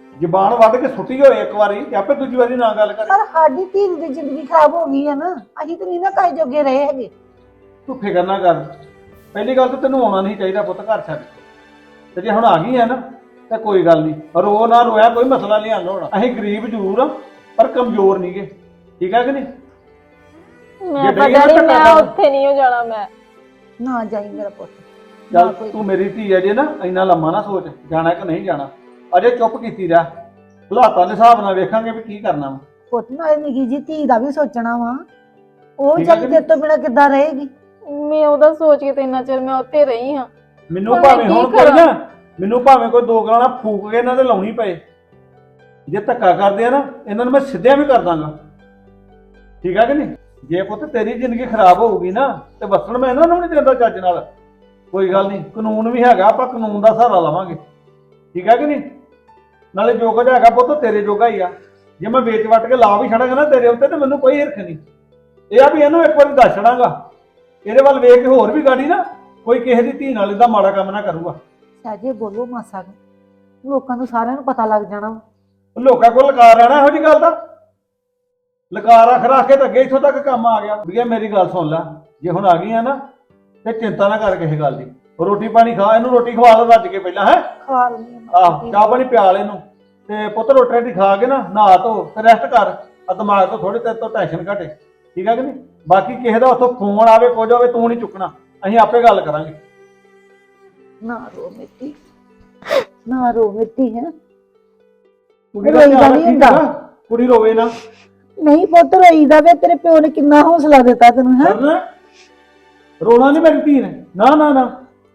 A: ਜ਼ਬਾਨ ਵੱਢ ਕੇ ਸੁੱਟੀ ਹੋਏ ਇੱਕ ਵਾਰੀ ਤੇ ਆਪੇ ਦੂਜੀ ਵਾਰੀ ਨਾ ਗੱਲ ਕਰੇ।
B: ਪਰ ਸਾਡੀ ਧੀ ਦੀ ਜ਼ਿੰਦਗੀ ਖਰਾਬ ਹੋ ਗਈ ਹੈ ਨਾ, ਅਸੀਂ ਤਾਂ ਨਹੀਂ ਨਾ ਕਾਇ ਜੋਗੇ ਰਹੇ ਹੈਗੇ।
A: ਤੂੰ ਫਿਕਰ ਨਾ ਕਰ। ਪਹਿਲੀ ਗੱਲ ਤਾਂ ਤੈਨੂੰ ਆਉਣਾ ਨਹੀਂ ਚਾਹੀਦਾ ਪੁੱਤ ਘਰ ਛੱਡ ਕੇ। ਤੇ ਜੇ ਹੁਣ ਆ ਗਈ ਹੈ ਨਾ ਤਾਂ ਕੋਈ ਗੱਲ ਨਹੀਂ, ਰੋ ਨਾ ਰੋਇਆ ਕੋਈ ਮਸਲਾ ਨਹੀਂ ਹੱਲ ਹੋਣਾ। ਅਸੀਂ ਗਰੀਬ ਜ਼ਰੂਰ ਆ ਪਰ ਕਮਜ਼ੋਰ ਨਹੀਂਗੇ, ਠੀਕ ਹੈ ਕਿ ਨਹੀਂ?
E: ਮੈਂ
A: ਜੇ
E: ਪਤਾ
A: ਡੈਡੀ
E: ਨਹੀਂ
A: ਨੂੰ
E: ਮੈਂ
A: ਧੱਕਾ
E: ਉੱਥੇ ਨਹੀਂ ਹੋ ਜਾਣਾ ਮੈਂ।
B: ਨਾ ਜਾਈ ਮੇਰਾ ਪੁੱਤ, ਨਾ
A: ਚੱਲ
B: ਕੋਈ
A: ਤੂੰ ਮੇਰੀ ਧੀ ਹੈ ਜੇ ਨਾ ਇੰਨਾ ਲੰਮਾ ਨਾ ਸੋਚ ਜਾਣਾ ਕਿ ਨਹੀਂ ਜਾਣਾ। ਅਜੇ ਚੁੱਪ ਕੀਤੀ ਰਹਿ, ਹਾਲਾਤਾਂ ਦੇ ਹਿਸਾਬ ਨਾਲ ਵੇਖਾਂਗੇ ਵੀ ਕੀ ਕਰਨਾ ਵਾ।
B: ਪੁੱਤ ਨਾਲ ਨਿੱਕੀ ਜੀ ਧੀ ਦਾ ਵੀ ਸੋਚਣਾ ਵਾ, ਉਹ
A: ਠੀਕ ਹੈ
B: ਚੱਲ
A: ਕਿ
B: ਤੇਰੇ ਤੋਂ ਬਿਨਾਂ ਕਿੱਦਾਂ ਰਹੇਗੀ।
E: ਮੈਂ ਉਹਦਾ ਸੋਚ ਕੇ ਤੇ ਇੰਨਾ ਚਿਰ ਮੈਂ ਉੱਥੇ ਰਹੀ ਹਾਂ।
A: ਮੈਨੂੰ
E: ਹੁਣ ਮੈਂ
A: ਭਾਵੇਂ
E: ਕੀ
A: ਹੁਣ ਕੋਈ
E: ਕਰਾਂ?
A: ਨਾ ਮੈਨੂੰ ਭਾਵੇਂ ਕੋਈ ਦੋ ਗਾਲਾਂ ਫੂਕ ਕੇ ਇਹਨਾਂ ਦੇ ਲਾਉਣੀ ਪਏ, ਜੇ ਧੱਕਾ ਕਰਦੇ ਆ ਨਾ ਇਹਨਾਂ ਨੂੰ ਮੈਂ ਸਿੱਧਿਆਂ ਵੀ ਕਰ ਦਾਂਗਾ, ਠੀਕ ਹੈ ਕਿ ਨਹੀਂ? ਜੇ ਪੁੱਤ ਤੇਰੀ ਜ਼ਿੰਦਗੀ ਖਰਾਬ ਹੋਊਗੀ ਨਾ ਤੇ ਵਸਣ ਮੈਂ ਇਹਨਾਂ ਨੂੰ ਨਹੀਂ ਦਿੰਦਾ ਚੱਜ ਨਾਲ। ਕੋਈ ਗੱਲ ਨਹੀਂ, ਕਾਨੂੰਨ ਵੀ ਹੈਗਾ, ਆਪਾਂ ਕਾਨੂੰਨ ਦਾ ਸਹਾਰਾ ਲਵਾਂਗੇ, ਠੀਕ ਹੈ ਕਿ ਨਹੀਂ? ਨਾਲੇ ਜੋ ਕੁਝ ਹੈਗਾ ਪੁੱਤ ਤੇਰੇ ਜੋਗਾ ਹੀ ਆ। ਜੇ ਮੈਂ ਵੇਚ ਵੱਟ ਕੇ ਲਾ ਵੀ ਛੱਡਾਂਗਾ ਨਾ ਤੇਰੇ ਉੱਤੇ ਤੇ ਮੈਨੂੰ ਕੋਈ ਹਿਰਖ ਨਹੀਂ। ਇਹ ਆ ਵੀ ਇਹਨੂੰ ਇੱਕ ਵਾਰੀ ਦੱਸ ਛੱਡਾਂਗਾ, ਇਹਦੇ ਵੱਲ ਵੇਖ ਕੇ ਹੋਰ ਵੀ ਗਾੜੀ ਨਾ ਕੋਈ ਕਿਸੇ ਦੀ ਧੀ ਨਾਲ ਇਹਦਾ ਮਾੜਾ ਕੰਮ ਨਾ ਕਰੂਗਾ।
B: ਸਾਜੇ ਬੋਲੋ ਮਾਸਾ ਕੁ, ਲੋਕਾਂ ਨੂੰ ਸਾਰਿਆਂ ਨੂੰ ਪਤਾ ਲੱਗ ਜਾਣਾ ਵਾ।
A: ਲੋਕਾਂ ਕੋਲ ਲਕਾਰ ਰਹਿਣਾ ਇਹੋ ਜੀ ਗੱਲ ਦਾ। ਲਕਾਰ ਰੱਖ ਰੱਖ ਕੇ ਤਾਂ ਅੱਗੇ ਇੱਥੋਂ ਤੱਕ ਕੰਮ ਆ ਗਿਆ। ਵੀ ਮੇਰੀ ਗੱਲ ਸੁਣ ਲੈ, ਜੇ ਹੁਣ ਆ ਗਈ ਆ ਨਾ ਤੇ ਚਿੰਤਾ ਨਾ ਕਰ ਕਿਸੇ ਗੱਲ ਦੀ। ਰੋਟੀ ਪਾਣੀ ਖਾ, ਇਹਨੂੰ ਰੋਟੀ ਖਵਾ ਲੈ ਰੱਜ ਕੇ ਪਹਿਲਾਂ, ਹੈ
B: ਖਵਾ ਲੈਂਦੀ ਹਾਂ
A: ਆਹ
B: ਮਾਸਾ
A: ਚਾਹ ਪਾਣੀ ਪਿਆ ਲੈ ਇਹਨੂੰ ਤੇ ਪੁੱਤ ਰੋਟੀ ਰਾਟੀ ਖਾ ਕੇ ਨਾ ਨਹਾ ਧੋ ਤੇ ਰੈਸਟ ਕਰ। ਆ ਦਿਮਾਗ ਤੋਂ ਥੋੜੀ ਤੇਰੇ ਤੋਂ ਟੈਨਸ਼ਨ ਘਟੇ, ਠੀਕ ਹੈ ਕਿ ਨਹੀਂ? ਬਾਕੀ ਕਿਸੇ ਦਾ ਉੱਥੋਂ ਫੋਨ ਆਵੇ ਕੁਝ ਹੋਵੇ ਤੂੰ ਨਹੀਂ ਚੁੱਕਣਾ, ਅਸੀਂ ਆਪੇ ਗੱਲ ਕਰਾਂਗੇ।
B: ਨਾ ਰੋ ਮਿੱਟੀ, ਨਾ ਰੋ ਮਿੱਟੀ ਹੈ।
A: ਕੁੜੀ ਦਾ
B: ਰੋਈਦਾ
A: ਧਿਆਨ
B: ਨਹੀਂ
A: ਰੱਖੀ
B: ਹੁੰਦਾ।
A: ਚੰਗਾ, ਕੁੜੀ ਰੋਵੇ ਨਾ।
B: ਨਹੀਂ ਪੁੱਤ ਰੋਈਦਾ ਵੇ, ਤੇਰੇ ਪਿਓ ਨੇ ਕਿੰਨਾ ਹੌਸਲਾ ਦਿੱਤਾ ਤੈਨੂੰ ਹੈ।
A: ਕਰਨਾ ਰੋਣਾ ਨਹੀਂ ਮੇਰੀ ਧੀ ਨੇ, ਨਾ ਨਾ ਨਾ।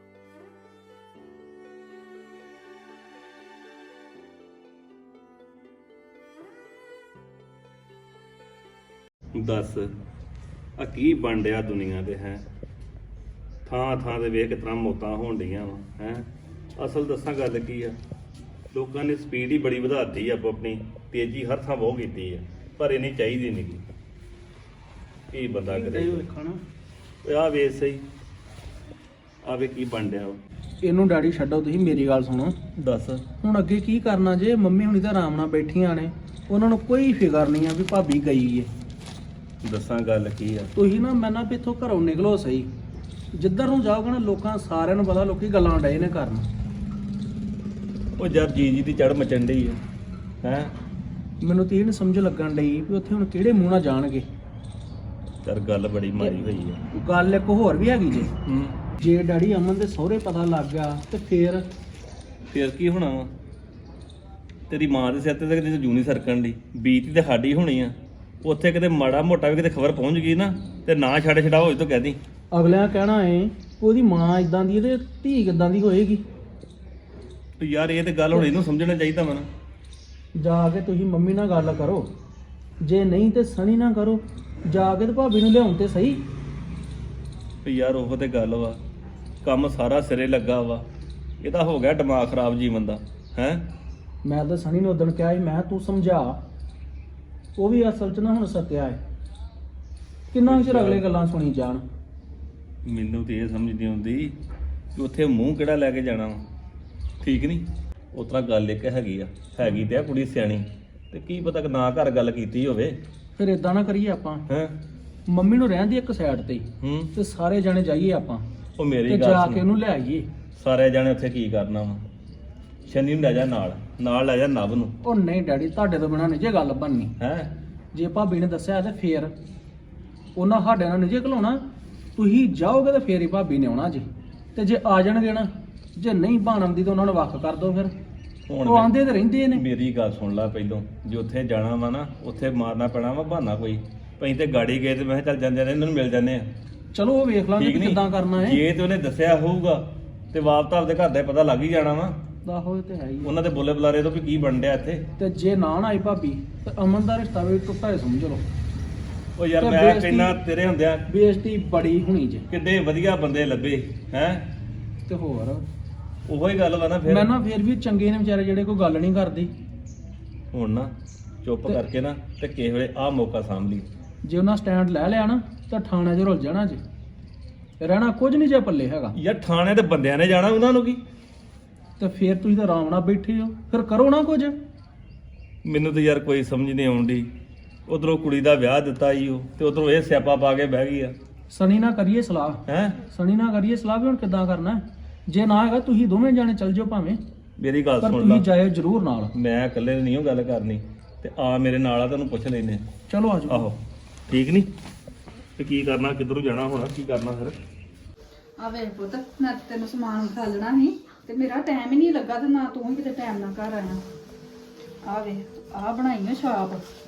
F: ਦੱਸ ਆ ਕੀ ਬਣ ਡਿਆ ਦੁਨੀਆ ਦੇ ਹੈ। ਥਾਂ ਥਾਂ ਤੇ ਵੇਖ ਕਿਤਨਾ ਮੌਤਾਂ ਹੋਣ ਡੀਆਂ ਵਾ ਹੈ। ਅਸਲ ਦੱਸਾਂ ਗੱਲ ਕੀ ਆ, ਲੋਕਾਂ ਨੇ ਸਪੀਡ ਹੀ ਬੜੀ ਵਧਾਤੀ ਆ, ਆਪੋ ਆਪਣੀ ਤੇਜ਼ੀ ਹਰ ਥਾਂ ਬਹੁਤ ਕੀਤੀ ਆ, ਪਰ ਇਹ ਨਹੀਂ ਚਾਹੀਦੀ ਨਹੀਂ ਗੀ। ਕੀ ਬੰਦਾ ਕਰੇ। ਓਏ ਆ ਵੇਖ ਸਹੀ, ਆ ਵੇ ਕੀ ਬਣ ਡਿਆ ਵਾ।
D: ਇਹਨੂੰ ਡੈਡੀ ਛੱਡੋ, ਤੁਸੀਂ ਮੇਰੀ ਗੱਲ ਸੁਣੋ।
F: ਦੱਸ
D: ਹੁਣ ਅੱਗੇ ਕੀ ਕਰਨਾ ਜੇ? ਮੰਮੀ ਹੁਣੀ ਤਾਂ ਆਰਾਮ ਨਾਲ ਬੈਠੀਆਂ ਨੇ, ਉਹਨਾਂ ਨੂੰ ਕੋਈ ਫਿਕਰ ਨਹੀਂ ਆ ਵੀ ਭਾਬੀ ਗਈ ਏ।
F: ਦੱਸਾਂ ਗੱਲ ਕੀ ਆ,
D: ਤੁਸੀਂ ਨਾ ਮੈਂ ਨਾ ਵੀ ਇੱਥੋਂ ਘਰੋਂ ਨਿਕਲੋ ਸਹੀ। ਜਿੱਧਰ ਨੂੰ ਜਾਓਗੇ ਨਾ ਲੋਕਾਂ ਸਾਰਿਆਂ ਨੂੰ ਪਤਾ ਲੋਕੀ ਗੱਲਾਂ ਡਏ ਨੇ ਕਰਨ।
F: ਉਹ ਯਾਰ ਜੀ ਜੀ ਦੀ ਚੜ ਮਚਣ ਡਈ ਆ ਹੈ।
D: ਮੈਨੂੰ ਤੇ ਇਹ ਨੀ ਸਮਝ ਲੱਗਣ ਡਈ ਵੀ ਉੱਥੇ ਹੁਣ ਕਿਹੜੇ ਮੂੰਹ ਨਾਲ ਜਾਣਗੇ।
F: ਯਾਰ ਗੱਲ ਬੜੀ ਮਾਰੀ ਹੋਈ ਆ।
D: ਗੱਲ ਇੱਕ ਹੋਰ ਵੀ ਹੈਗੀ ਜੇ,
F: ਹੂੰ
D: ਜੇ ਡੈਡੀ ਅਮਨ ਦੇ ਸਹੁਰੇ ਪਤਾ ਲੱਗ ਗਿਆ ਤੇ ਫੇਰ
F: ਫੇਰ ਕੀ ਹੋਣਾ ਵਾ? ਤੇਰੀ ਮਾਂ ਦੇ ਸਿਰ ਤੇ ਤਾਂ ਕਿਤੇ ਜੂਨੀ ਸਰਕਣ ਦੀ ਬੀਤੀ ਤੇ ਸਾਡੀ ਹੋਣੀ ਆ। ਉੱਥੇ ਕਿਤੇ ਮਾੜਾ ਮੋਟਾ ਵੀ ਕਿਤੇ ਖਬਰ ਪਹੁੰਚ ਗਈ ਨਾ ਤੇ ਨਾ ਛੱਡ ਛਡਾ ਹੋਏ ਤਾਂ ਕਹਿਦੀ
D: ਅਗਲਿਆਂ ਕਹਿਣਾ ਏ ਉਹਦੀ ਮਾਂ ਇਦਾਂ ਦੀ ਤੇ ਧੀ ਕਿਦਾਂ ਦੀ ਹੋਏਗੀ।
F: ਤੇ ਯਾਰ ਇਹ ਤੇ ਗੱਲ ਹੁਣ ਇਹਨੂੰ ਸਮਝਣਾ ਚਾਹੀਦਾ ਵਾ ਨਾ।
D: ਜਾ ਕੇ ਤੁਸੀਂ ਮੰਮੀ ਨਾਲ ਗੱਲ ਕਰੋ, ਜੇ ਨਹੀਂ ਤੇ ਸਣੀ ਨਾ ਕਰੋ। ਜਾ ਕੇ ਤੇ ਭਾਬੀ ਨੂੰ ਲਿਆਉਣ ਤੇ ਸਹੀ।
F: ਤੇ ਯਾਰ ਉਹ ਤੇ ਗੱਲ ਵਾ, ਕੰਮ ਸਾਰਾ ਸਿਰੇ ਲੱਗਾ ਵਾ, ਇਹਦਾ ਹੋ ਗਿਆ ਦਿਮਾਗ ਖਰਾਬ ਜੀਵਨ ਦਾ ਹੈ।
D: ਮੈਂ ਤਾਂ ਸਣੀ ਨੂੰ ਉਦਣ ਕਿਹਾ ਸੀ, ਮੈਂ ਤੂੰ ਸਮਝਾ। ਉਹ ਵੀ ਅਸਲ 'ਚ ਨਾ ਹੁਣ ਸੱਤਿਆ ਹੈ। ਕਿੰਨਾ ਚਿਰ ਅਗਲੇ ਗੱਲਾਂ ਸੁਣੀ ਜਾਣ।
F: ਮੈਨੂੰ ਤੇ ਇਹ ਸਮਝ ਨਹੀਂ ਆਉਂਦੀ ਕਿ ਉੱਥੇ ਮੂੰਹ ਕਿਹੜਾ ਲੈ ਕੇ ਜਾਣਾ ਵਾ, ਠੀਕ ਨਹੀਂ? ਉਸ ਤਰ੍ਹਾਂ ਗੱਲ ਇੱਕ ਹੈਗੀ ਆ, ਹੈਗੀ ਤੇ ਆ ਕੁੜੀ ਸਿਆਣੀ, ਤੇ ਕੀ ਪਤਾ ਕਿ ਨਾ ਘਰ ਗੱਲ ਕੀਤੀ ਹੋਵੇ।
D: ਫਿਰ ਇਦਾਂ ਨਾ ਕਰੀਏ ਆਪਾਂ,
F: ਹੈ
D: ਮੰਮੀ ਨੂੰ ਰਹਿਣ ਦੀ ਇੱਕ ਸਾਈਡ ਤੇ
F: ਹੂੰ
D: ਤੇ ਸਾਰੇ ਜਾਣੇ ਜਾਈਏ ਆਪਾਂ
F: ਉਹ
D: ਤੇ
F: ਮੇਰੀ
D: ਜਾ
F: ਗੱਲ
D: ਕੇ
F: ਸੁਣ,
D: ਉਹਨੂੰ ਲੈ ਆਈਏ।
F: ਸਾਰੇ ਜਾਣੇ ਉੱਥੇ ਕੀ ਕਰਨਾ ਵਾ? ਸ਼ਨੀ ਨੂੰ ਲੈ ਜਾ ਨਾਲ, ਨਾਲ ਲੈ ਜਾ ਨਵ ਨੂੰ।
D: ਉਹ ਨਹੀਂ ਡੈਡੀ, ਤੁਹਾਡੇ ਤੋਂ ਬਿਨਾਂ ਨਹੀਂ ਜੇ ਗੱਲ ਬਣਨੀ।
F: ਹੈ
D: ਜੇ ਭਾਬੀ ਨੇ ਦੱਸਿਆ ਤੇ ਫੇਰ ਉਹਨਾਂ ਸਾਡੇ ਨਾਲ ਨਹੀਂ ਜੇ ਘਲਾਉਣਾ। ਤੁਸੀਂ ਜਾਓਗੇ ਤੇ ਫੇਰ ਹੀ ਭਾਬੀ ਨੇ ਆਉਣਾ ਜੀ। ਤੇ ਜੇ ਆ ਜਾਣਗੇ ਨਾ, ਜੇ ਨਹੀਂ ਬਾਣਮ ਦੀ ਤਾਂ ਉਹਨਾਂ ਨੂੰ ਵੱਖ ਕਰ ਦਿਓ। ਫਿਰ
F: ਹੁਣ
D: ਉਹ ਆਂਦੇ ਤੇ ਰਹਿੰਦੇ ਨੇ।
F: ਮੇਰੀ ਗੱਲ ਸੁਣ ਲੈ ਪਹਿਲੋਂ, ਜੇ ਉੱਥੇ ਜਾਣਾ ਵਾ ਨਾ ਉੱਥੇ ਮਾਰਨਾ ਪੈਣਾ ਵਾ ਬਹਾਨਾ ਕੋਈ। ਪਈ ਤੇ ਗਾੜੀ ਗਏ ਤੇ ਮੈਂ ਕਿਹਾ ਚੱਲ ਜਾਂਦੇ ਨੇ ਇਹਨਾਂ ਨੂੰ ਮਿਲ ਜਾਂਦੇ ਆ,
D: ਚਲੋ ਉਹ ਵੇਖ ਲਾਂਗੇ
F: ਠੀਕ
D: ਕਿ
F: ਨਹੀਂ?
D: ਕਿੱਦਾਂ ਕਰਨਾ ਹੈ।
F: ਜੇ ਤੇ ਉਹਨੇ ਦੱਸਿਆ ਹੋਊਗਾ ਤੇ ਵਾਪਸ ਆਪਦੇ ਘਰ ਦਾ ਪਤਾ ਲੱਗ ਹੀ ਜਾਣਾ ਵਾ।
D: ਆਹੋ ਇਹ ਤੇ ਹੈ ਹੀ ਆ।
F: ਉਹਨਾਂ ਦੇ ਬੋਲੇ ਬੁਲਾਰੇ ਤੋਂ ਵੀ ਕੀ ਬਣ ਡਿਆ ਇੱਥੇ।
D: ਤੇ ਜੇ ਨਾ ਨਾ ਆਈ ਭਾਬੀ ਤੇ ਅਮਨ ਦਾ ਰਿਸ਼ਤਾ ਵੀ ਟੁੱਟਾ ਹੀ ਸਮਝ ਲਓ।
F: ਉਹ ਯਾਰ
D: ਤੇ
F: ਮੈਂ
D: ਬੇਇੱਜ਼ਤੀ-
F: ਕਹਿੰਦਾ ਤੇਰੇ ਹੁੰਦਿਆਂ
D: ਬੇਇੱਜ਼ਤੀ ਬੜੀ ਹੋਣੀ ਜੇ।
F: ਕਿੱਡੇ ਵਧੀਆ ਬੰਦੇ ਲੱਭੇ ਹੈ।
D: ਤੇ ਹੋਰ
F: ਉਹੋ ਹੀ ਗੱਲ ਵਾ ਨਾ ਫਿਰ।
D: ਮੈਂ ਨਾ ਫੇਰ ਵੀ ਚੰਗੇ ਨੇ ਵਿਚਾਰੇ ਜਿਹੜੇ ਕੋਈ ਗੱਲ ਨਹੀਂ ਕਰਦੇ।
F: ਹੁਣ ਨਾ ਚੁੱਪ
D: ਤੇ-
F: ਕਰਕੇ ਨਾ ਤੇ ਕਿਸੇ ਵੇਲੇ ਆਹ ਮੌਕਾ ਸਾਂਭ ਲਈ।
D: ਜੇ ਉਹਨਾਂ ਸਟੈਂਡ ਲੈ ਲਿਆ ਨਾ ਤਾਂ ਥਾਣੇ 'ਚ ਰੁਲ ਜਾਣਾ ਜੇ। ਰਹਿਣਾ ਕੁਝ ਨਹੀਂ ਜੇ ਪੱਲੇ ਹੈਗਾ।
F: ਯਾਰ ਥਾਣੇ ਤੇ ਬੰਦਿਆਂ ਨੇ ਜਾਣਾ, ਉਹਨਾਂ ਨੂੰ ਕੀ।
D: ਤੇ ਫੇਰ ਤੁਸੀਂ ਤਾਂ ਆਰਾਮ ਨਾਲ ਬੈਠੇ ਹੋ, ਫਿਰ ਕਰੋ ਨਾ ਕੁਝ।
F: ਮੈਨੂੰ ਤਾਂ ਯਾਰ ਕੋਈ ਸਮਝ ਨਹੀਂ ਆਉਂਦੀ। ਉਧਰੋਂ ਕੁੜੀ ਦਾ ਵਿਆਹ ਦਿੱਤਾ ਈ ਉਹ ਤੇ ਉਧਰੋਂ ਇਹ ਸਿਆਪਾ ਪਾ ਕੇ ਬਹਿ ਗਈ ਆ।
D: ਸਣੀ ਨਾ ਕਰੀਏ ਸਲਾਹ
F: ਹੈ
D: ਸਣੀ ਨਾ ਕਰੀਏ ਸਲਾਹ ਵੀ ਹੁਣ ਕਿੱਦਾਂ ਕਰਨਾ। ਜੇ ਨਾ ਹੈਗਾ ਤੁਸੀਂ ਦੋਵੇਂ ਜਾਣੇ ਚੱਲ ਜਾਓ ਭਾਵੇਂ,
F: ਮੇਰੀ ਗੱਲ
D: ਪਰ
F: ਸੁਣ
D: ਤੁਸੀਂ
F: ਲੈ,
D: ਜਾਇਓ ਜ਼ਰੂਰ ਨਾਲ।
F: ਮੈਂ ਇਕੱਲੇ ਨਹੀਂ ਉਹ ਗੱਲ ਕਰਨੀ ਤੇ ਆ ਮੇਰੇ ਨਾਲ ਆ, ਤੈਨੂੰ ਪੁੱਛ ਲੈਨੇ।
D: ਚਲੋ ਆ ਜਾਓ।
F: ਆਹੋ ਠੀਕ ਨਹੀਂ ਤੇ ਕੀ ਕਰਨਾ, ਕਿੱਧਰੋਂ ਜਾਣਾ ਹੋਣਾ, ਕੀ ਕਰਨਾ ਫਿਰ?
G: ਆ ਵੇਖ ਪੁੱਤ, ਮੈਂ ਤਾਂ ਤੈਨੂੰ ਸਮਾਨ ਖਾਲਣਾ ਸੀ ਤੇ ਮੇਰਾ ਟਾਈਮ ਹੀ ਨਹੀਂ ਲੱਗਾ ਤੇ ਨਾ ਤੂੰ ਹੀ ਕਿਤੇ ਟਾਈਮ ਨਾਲ ਘਰ ਆਇਆ। ਆ ਵੇ ਆ ਬਣਾਈ ਆ ਛਾਪ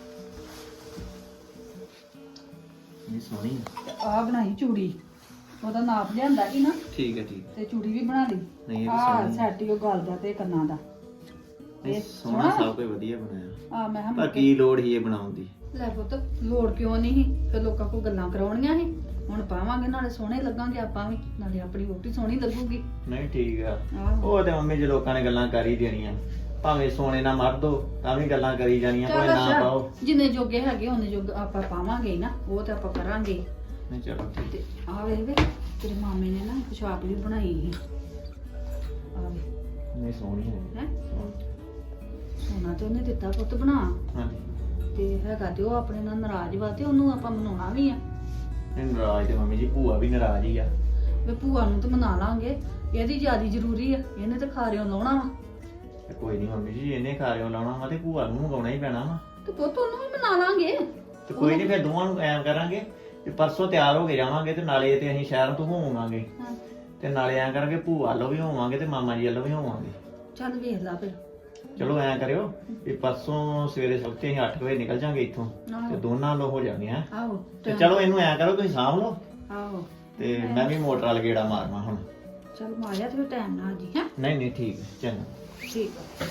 H: ਨਹੀਂ ਸੋਹਣੀ
G: ਤੇ ਆ ਬਣਾਈ ਚੂੜੀ, ਉਹਦਾ ਨਾਪ ਲਿਆਂਦਾ ਸੀ ਨਾ
H: ਠੀਕ ਹੈ ਠੀਕ
G: ਤੇ ਚੂੜੀ ਵੀ ਬਣਾ ਲਈ।
H: ਨਹੀਂ ਇਹ ਵੀ
G: ਆ
H: ਸੋਹਣੀ
G: ਸੈਟ ਹੀ ਉਹ ਗਲ ਦਾ ਤੇ ਕੰਨਾਂ ਦਾ।
H: ਇਹ ਸੋਹਣਾ ਸਭ ਕੁਝ ਵਧੀਆ ਬਣਾਇਆ।
G: ਆ ਮੈਂ
H: ਪਰ
G: ਹਾਂ
H: ਕੀ ਲੋੜ ਹੀ ਇਹ ਬਣਾਉਣ ਦੀ?
G: ਲੈ ਪੁੱਤ, ਲੋੜ ਕਿਉਂ ਨਹੀਂ ਸੀ? ਫਿਰ ਲੋਕਾਂ ਕੋਲ ਗੱਲਾਂ ਕਰਾਉਣੀਆਂ ਸੀ। ਹੁਣ ਪਾਵਾਂਗੇ ਨਾਲੇ ਸੋਹਣੇ ਲੱਗਾਂਗੇ ਆਪਾਂ ਵੀ, ਨਾਲੇ ਆਪਣੀ ਵੋਟੀ ਸੋਹਣੀ ਲੱਗੂਗੀ।
H: ਨਹੀਂ ਠੀਕ ਆ।
G: ਆਹੋ
H: ਉਹ ਤੇ ਮੰਮੀ ਜੇ ਲੋਕਾਂ ਨੇ ਗੱਲਾਂ ਕਰ ਹੀ ਦੇਣੀਆਂ, ਭਾਵੇਂ ਸੋਨੇ ਨਾਲ ਮਰ ਦੋ ਤਾਂ ਵੀ ਗੱਲਾਂ ਕਰੀ ਜਾਣੀਆਂ, ਭਾਵੇਂ
G: ਚੱਲ
H: ਨਾ ਪਾਓ।
G: ਅੱਛਾ, ਜਿੰਨੇ ਜੋਗੇ ਹੈਗੇ ਉਹਨੇ ਜੋਗ ਆਪਾਂ ਪਾਵਾਂਗੇ ਹੀ ਨਾ, ਉਹ ਤੇ ਆਪਾਂ ਕਰਾਂਗੇ।
H: ਨਹੀਂ ਚਲੋ ਠੀਕ।
G: ਤੇ ਆ ਵੇ ਵੇ ਤੇਰੇ ਮਾਮੇ ਨੇ ਨਾ ਪੋਸ਼ਾਕ ਵੀ ਬਣਾਈ ਸੀ। ਆ ਵੇ
H: ਨਹੀਂ ਸੋਹਣੀ ਹੈ।
G: ਹੈ ਸੋਨਾ ਤੇ ਉਹਨੇ ਦਿੱਤਾ ਪੁੱਤ ਬਣਾ,
H: ਹਾਂਜੀ
G: ਤੇ ਹੈਗਾ ਤੇ ਉਹ ਆਪਣੇ ਨਾਲ ਨਾਰਾਜ਼ ਵਾ ਤੇ ਉਹਨੂੰ ਆਪਾਂ ਮਨਾਉਣਾ ਵੀ ਆ।
H: ਨਹੀਂ ਨਾਰਾਜ਼ ਤੇ ਮੰਮੀ ਜੀ, ਭੂਆ ਵੀ ਨਾਰਾਜ਼ ਹੀ ਆ।
G: ਵੇ ਭੂਆ ਨੂੰ ਤੇ ਮਨਾ ਲਾਂਗੇ, ਇਹਦੀ ਜਿਆਦੀ ਜ਼ਰੂਰੀ ਆ, ਇਹਨੇ ਤੇ ਖਾਰਿਓ ਲਾਉਣਾ ਵਾ।
H: ਤੇ ਕੋਈ ਨਹੀਂ ਮੰਮੀ ਜੀ, ਇਹਨੇ ਖਾਰਿਓ ਲਾਉਣਾ ਵਾ ਤੇ ਭੂਆ ਨੂੰ ਮੰਗਾਉਣਾ ਹੀ ਪੈਣਾ ਵਾ।
G: ਤੇ ਪੁੱਤ ਉਹਨੂੰ ਵੀ ਮਨਾ ਲਾਂਗੇ।
H: ਤੇ ਕੋਈ ਨਹੀਂ, ਫਿਰ ਦੋਵਾਂ ਨੂੰ ਐਂ ਕਰਾਂਗੇ ਕਿ ਪਰਸੋਂ ਤਿਆਰ ਹੋ ਕੇ ਜਾਵਾਂਗੇ ਤੇ ਨਾਲੇ ਤੇ ਅਸੀਂ ਸ਼ਹਿਰ ਤੋਂ ਹੋਵਾਂਗੇ
G: ਹਾਂ
H: ਤੇ ਨਾਲੇ ਐਂ ਕਰਾਂਗੇ ਭੂਆ ਵੱਲੋਂ ਵੀ ਹੋਵਾਂਗੇ ਤੇ ਮਾਮਾ ਜੀ ਵੱਲੋਂ ਵੀ ਹੋਵਾਂਗੇ।
G: ਚੱਲ ਵੇਖ ਲਾ ਫਿਰ।
H: ਚਲੋ ਐਂ ਕਰਿਓ ਵੀ ਪਰਸੋਂ ਸਵੇਰੇ ਸਵਖਤੇ ਅਸੀਂ ਅੱਠ ਵਜੇ ਨਿਕਲ ਜਾਾਂਗੇ ਇੱਥੋਂ
G: ਆਹੋ।
H: ਤੇ ਦੋਨਾਂ ਲੋ ਹੋ ਜਾਣਗੇ ਹੈ।
G: ਆਹੋ
H: ਤੇ ਚਲੋ ਇਹਨੂੰ ਐਂ ਕਰੋ, ਤੁਸੀਂ ਸਾਂਭ ਲਓ
G: ਆਹੋ
H: ਤੇ ਮੈਂ ਵੀ ਮੋਟਰ ਵਾਲ ਗੇੜਾ ਮਾਰਨਾ ਹੁਣ।
G: ਚੱਲ ਮਾਰਿਆ ਤੇ ਫਿਰ ਟਾਈਮ ਨਾਲ ਜੀ। ਹੈ
H: ਨਹੀਂ ਨਹੀਂ ਠੀਕ ਹੈ, ਚੰਗਾ।
G: ਠੀਕ ਆ।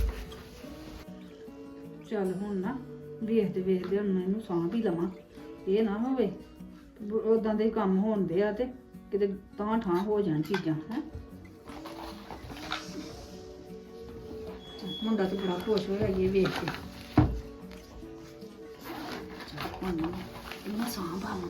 G: ਚੱਲ ਹੁਣ ਨਾ ਵੇਖਦੇ ਵੇਖਦੇ ਹੁਣ ਮੈਂ ਇਹਨੂੰ ਸਾਂਭ ਹੀ ਲਵਾਂ, ਇਹ ਨਾ ਹੋਵੇ ਉਦਾਂ ਦੇ ਕੰਮ ਹੋਣਦੇ ਆ ਤੇ ਕਿਤੇ ਤਾਂ ਠਾਂ ਹੋ ਜਾਣ ਚੀਜ਼ਾਂ। ਹੈ ਮੁੰਡਾ ਤੇ ਬੜਾ ਖੁਸ਼ ਹੋਇਆ ਇਹ ਵੇਖ ਕੇ। ਹੁਣ ਇਹਨੂੰ ਸਾਂਭ ਆਵਾਂ।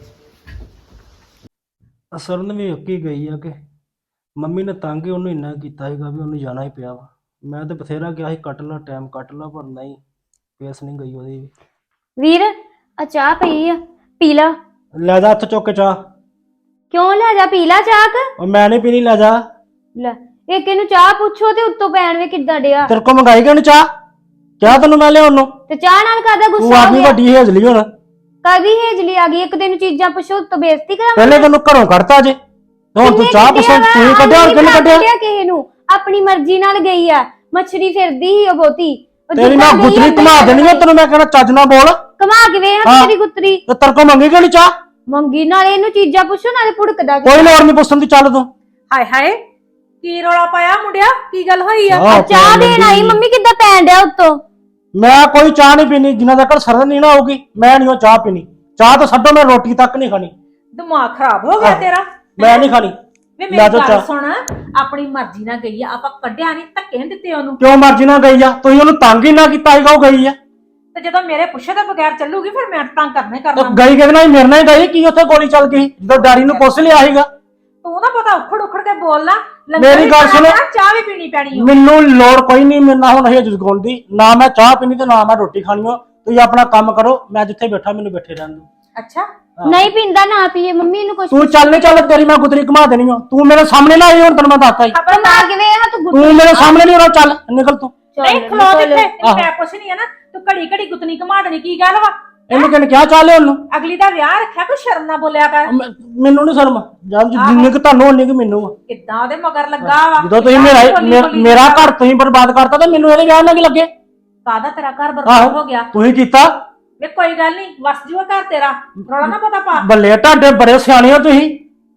D: ਅਸਰਨ ਵੀ ਉੱਕੀ ਗਈ ਆ ਕਿ ਮੰਮੀ ਨੇ ਤੰਗ ਹੀ ਉਹਨੂੰ ਇੰਨਾ ਕੀਤਾ ਸੀਗਾ ਵੀ ਉਹਨੂੰ ਜਾਣਾ ਹੀ ਪਿਆ ਵਾ। ਮੈਂ ਤੇ ਬਥੇਰਾ ਕਿਹਾ ਸੀ ਕੱਟ ਲਾ ਟਾਈਮ ਕੱਟ ਲਾ, ਪਰ ਨਹੀਂ, ਪੇਸ ਨਹੀਂ ਗਈ ਉਹਦੀ ਵੀ।
I: ਵੀਰ ਆ ਚਾਹ ਪਈ ਆ, ਪੀ ਲਾ।
D: ਲੈ ਜਾ ਹੱਥ ਚੁੱਕ ਕੇ ਚਾਹ।
I: ਕਿਉਂ ਲੈ ਜਾ, ਪੀ ਲਾ ਚਾਹ ਕ।
D: ਉਹ ਮੈਂ ਨਹੀਂ ਪੀਣੀ, ਲੈ ਜਾ।
I: ਲੈ ਇੱਕ ਇਹਨੂੰ ਚਾਹ ਪੁੱਛੋ ਤੇ ਉੱਤੋਂ ਪੈਣ ਵੇ ਕਿੱਦਾਂ ਡਿਆ।
D: ਤੇਰੇ ਕੋ ਮੰਗਾਈ ਕਿਉਂ ਨੀ ਚਾਹ? ਚਾਹ ਤੈਨੂੰ ਮੈਂ ਲਿਆਉਣ ਨੂੰ।
I: ਤੇ ਚਾਹ ਨਾਲ ਕਾਹਦਾ
D: ਤੂੰ
I: ਗੁੱਸਾ ਹੋ
D: ਆਪਣੀ
I: ਗਿਆ?
D: ਵੱਡੀ ਹੇਜਲੀ ਹੁਣ।
I: ਕਾਦੀ ਹੇਜਲੀ ਆ ਗਈ? ਇੱਕ ਦਿਨ ਚੀਜ਼ਾਂ ਪੁੱਛੋ ਉੱਤੋਂ ਬੇਇੱਜ਼ਤੀ ਕਰਾਂ।
D: ਪਹਿਲੇ ਤੈਨੂੰ ਘਰੋਂ ਕੱਢਤਾ ਜੇ, ਹੁਣ ਤੂੰ ਚਾਹ ਪਸੰਦ ਤੂੰ ਕੱਢਿਆ ਹੋਰ ਕਿਹਨੇ ਕੱਢਿਆ?
I: ਕਿਸੇ ਨੂੰ ਆਪਣੀ ਮਰਜ਼ੀ ਨਾਲ ਗਈ ਆ, ਮੱਛਰੀ ਫਿਰਦੀ ਸੀ ਉਹ ਬਹੁਤੀ। ਉਹ
D: ਤੇਰੀ
I: ਜਿੱਦਾਂ
D: ਮੈਂ
I: ਗਈ
D: ਗੁੱਤਰੀ
I: ਓਦਾਂ
D: ਘੁਮਾ ਦੇਣੀ ਆ, ਤੈਨੂੰ ਮੈਂ ਕਹਿੰਦਾ ਚੱਜ ਨਾ ਬੋਲ।
I: ਘੁਮਾ ਕੇ ਵੇਖ
D: ਹਾਂ।
I: ਤੇਰੀ ਗੁੱਤਰੀ
D: ਤੇ ਤੇਰੇ ਕੋ ਮੰਗੀ ਕਿਉਂ ਨੀ ਚਾਹ?
I: ਮੰਗੀ, ਨਾਲੇ ਇਹਨੂੰ ਚੀਜ਼ਾਂ ਪੁੱਛੋ ਨਾਲੇ ਭੁੜਕਦਾ।
D: ਕੋਈ ਲੋੜ ਨਹੀਂ ਪੁੱਛਣ ਦੀ, ਚੱਲ ਤੂੰ।
J: ਹਾਏ ਹਾਏ, ਕੀ ਰੌਲਾ ਪਾਇਆ ਮੁੰਡਿਆ? ਕੀ ਗੱਲ ਹੋਈ ਆ?
D: ਆਹ
I: ਚਾਹ
D: ਪੈਣ
I: ਦੇਣ ਆਈ,
D: ਲੱਗੀ।
I: ਮੰਮੀ ਕਿੱਦਾਂ ਪੈਣ ਡਿਆ ਉੱਤੋਂ।
D: ਮੈਂ ਕੋਈ ਚਾਹ ਨਹੀਂ ਪੀਣੀ ਜਿੰਨਾ ਤੱਕ ਸਰਦ ਨਹੀਂ ਨਾ ਹੋਊਗੀ, ਮੈਂ ਨਹੀਂ ਉਹ ਚਾਹ ਪੀਣੀ। ਚਾਹ ਤਾਂ ਛੱਡੋ, ਮੈਂ ਰੋਟੀ ਤੱਕ ਨਹੀਂ ਖਾਣੀ।
J: ਦਿਮਾਗ ਖਰਾਬ ਹੋ ਗਿਆ
D: ਆਹ,
J: ਤੇਰਾ?
D: ਮੈਂ ਨਹੀਂ ਖਾਣੀ।
J: ਵੇ
D: ਲੈ
J: ਮੇਰੀ
D: ਜਾਓ
J: ਗੱਲ
D: ਚਾਹ।
J: ਸੁਣ, ਆਪਣੀ ਮਰਜ਼ੀ ਨਾਲ ਗਈ ਆ, ਆਪਾਂ ਕੱਢਿਆ ਨਹੀਂ, ਧੱਕੇ ਨੀ ਦਿੱਤੇ ਉਹਨੂੰ।
D: ਕਿਉਂ ਮਰਜ਼ੀ ਨਾਲ ਗਈ ਆ? ਤੁਸੀਂ ਉਹਨੂੰ ਤੰਗ ਹੀ ਨਾ ਕੀਤਾ ਸੀਗਾ, ਉਹ ਗਈ ਆ।
J: ਤੇ ਜਦੋਂ ਮੇਰੇ ਪੁੱਛੇ ਤੋਂ ਬਗੈਰ ਚੱਲੂਗੀ ਫਿਰ ਮੈਂ ਤੰਗ ਕਰਨਾ ਹੀ
D: ਉਹ
J: ਕਰਨਾ।
D: ਗਈ ਕਿਹਦੇ ਨਾਲ? ਮੇਰੇ ਨਾਲ ਹੀ ਗਈ। ਕੀ ਉੱਥੇ ਗੋਲੀ ਚੱਲ ਗਈ ਜਦੋਂ ਡੈਡੀ ਨੂੰ ਪੁੱਛ ਲਿਆ ਸੀਗਾ?
J: ਤੂੰ ਨਾ ਪਤਾ ਉਖੜ ਉਖੜ ਕੇ ਬੋਲਣਾ।
D: ਮੇਰੀ ਗੱਲ ਸੁਣੋ,
J: ਚਾਹ ਵੀ ਪੀਣੀ ਪੈਣੀ ਓ।
D: ਮੈਨੂੰ ਲੋੜ ਕੋਈ ਨਹੀਂ ਮੇਰੇ ਨਾਲ ਹੁਣ ਹੇਜ ਜਗਾਉਣ ਦੀ। ਨਾ ਮੈਂ ਚਾਹ ਪੀਣੀ ਤੇ ਨਾ ਮੈਂ ਰੋਟੀ ਖਾਣੀ ਹੋ। ਤੁਸੀਂ ਆਪਣਾ ਕੰਮ ਕਰੋ, ਮੈਂ ਜਿੱਥੇ ਬੈਠਾ ਮੈਨੂੰ ਬੈਠੇ ਰਹਿਣ ਦਿਓ।
J: ਅੱਛਾ,
I: ਨਹੀਂ ਪੀਂਦਾ ਨਾ ਪੀਏ, ਮੰਮੀ ਨੂੰ ਕੁਛ
D: ਤੂੰ ਚੱਲ ਨਹੀਂ ਚੱਲ, ਤੇਰੀ ਮੈਂ ਗੁੱਤਰੀ ਘੁਮਾ ਦੇਣੀ ਹੋ। ਤੂੰ ਮੇਰੇ ਸਾਹਮਣੇ ਨਾ ਆਈ, ਹੁਣ ਤੈਨੂੰ ਮੈਂ ਦੱਸਤਾ ਹੀ।
J: ਖਬਰ
I: ਘੁਮਾ ਕੇ ਵੇਖ ਤੂੰ ਗੁੱਤਰੀ।
D: ਤੂੰ ਮੇਰੇ ਸਾਹਮਣੇ ਨਹੀਂ ਆਉਣਾ, ਚੱਲ ਨਿਕਲ ਤੂੰ।
J: ਨਹੀਂ ਖਲੋ ਜਿੱਥੇ
D: ਆਹੋ।
J: ਮੈਂ ਕੁਛ ਨਹੀਂ ਆ ਨਾ, ਤੂੰ ਘੜੀ ਘੜੀ ਗੁੱਤਨੀ ਘੁਮਾ ਦੇਣੀ, ਕੀ ਗੱਲ ਵਾ?
D: ਇਹਨੂੰ ਕਿਹਨੇ ਕਿਹਾ ਚੱਲ ਉਹਨੂੰ?
J: ਅਗਲੀ ਦਾ ਵਿਆਹ ਰੱਖਿਆ, ਕੋਈ ਸ਼ਰਮ ਨਾ ਬੋਲਿਆ ਕਰ।
D: ਮੈਂ- ਮੈਨੂੰ ਨਹੀਂ ਸ਼ਰਮ, ਜਦ ਜਿੰਨੇ ਕਿ ਤੁਹਾਨੂੰ ਉਨੀ ਕਿ ਮੈਨੂੰ ਆ।
J: ਕਿੱਦਾਂ ਉਹਦੇ ਮਗਰ ਲੱਗਾ ਵਾ?
D: ਜਦੋਂ ਤੁਸੀਂ ਮੇਰਾ
J: ਬੋਲੀ
D: ਮੇਰਾ-
J: ਬੋਲੀ
D: ਮੇਰਾ ਘਰ ਤੁਸੀਂ ਬਰਬਾਦ ਕਰਤਾ ਤੇ ਮੈਨੂੰ ਇਹਦੇ ਵਿਆਹ ਨਾਲ ਕੀ ਲੱਗੇ?
J: ਕਾਹਦਾ ਤੇਰਾ ਘਰ ਬਰਬਾਦ ਹੋ ਗਿਆ?
D: ਤੁਸੀਂ ਕੀਤਾ।
J: ਵੇ ਕੋਈ ਗੱਲ ਨਹੀਂ, ਵਸ ਜੂਗਾ ਘਰ ਤੇਰਾ, ਰੌਲਾ ਨਾ ਪਤਾ ਪਾ।
D: ਬੱਲੇ ਤੁਹਾਡੇ ਬੜੇ ਸਿਆਣੇ ਹੋ ਤੁਸੀਂ।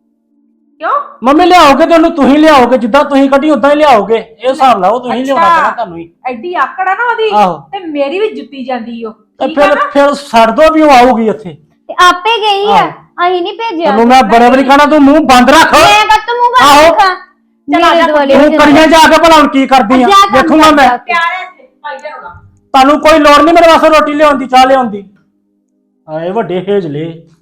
J: ਕਿਉਂ?
D: ਮੰਮੀ ਲਿਆਓਗੇ ਤੇ ਉਹਨੂੰ ਤੁਸੀਂ ਲਿਆਓਗੇ, ਜਿੱਦਾਂ ਤੁਸੀਂ ਕੱਢੀ ਉਦਾਂ ਹੀ ਲਿਆਓਗੇ। ਇਹ ਹਿਸਾਬ ਲਾਓ, ਤੁਸੀਂ ਲਿਆਉਣਾ ਪੈਣਾ ਤੁਹਾਨੂੰ ਹੀ।
J: ਐਡੀ ਆਕੜ ਆ ਨਾ ਉਹਦੀ,
D: ਆਹੋ।
J: ਤੇ ਮੇਰੀ ਵੀ ਜੁੱਤੀ ਜਾਂਦੀ ਓ।
D: ਤੇ
J: ਠੀਕ ਆ
D: ਫਿਰ
J: ਨਾ?
D: ਫਿਰ ਛੱਡ ਦੋ ਵੀ ਉਹ ਆਊਗੀ ਇੱਥੇ।
I: ਤੇ ਆਪੇ ਗਈ ਆ, ਅਸੀਂ ਨਹੀਂ ਭੇਜਿਆ।
D: ਤੈਨੂੰ ਮੈਂ ਬੜੇ ਬੜੀ ਖਾਣਾ, ਤੂੰ ਮੂੰਹ ਬੰਦ ਰੱਖ।
I: ਮੈਂ ਕੱਤ ਮੂੰਹ ਬੰਦ
D: ਆਹੋ।
I: ਰੱਖਾਂ।
J: ਚੱਲ
I: ਮੇਰੇ ਦੁਆਲੇ
D: ਤੂੰ ਕਰੀਆਂ ਜਾ ਕੇ ਭਲਾ ਹੁਣ ਕੀ ਕਰਦੀ ਆ,
I: ਜਾ ਕੰਮ
D: ਦੇਖੂਗਾ ਮੈਂ।
I: ਕਰ।
J: ਪਿਆਰ ਹੈ ਇੱਥੇ, ਭਾਈ ਦਾ ਰੌਲਾ।
D: ਤੁਹਾਨੂੰ ਕੋਈ ਲੋੜ ਨਹੀਂ ਮੇਰੇ ਵਾਸਤੇ ਰੋਟੀ ਲਿਆਉਣ ਦੀ, ਚਾਹ ਲਿਆਉਣ ਦੀ। ਆਏ ਵੱਡੇ ਹੇਜਲੇ।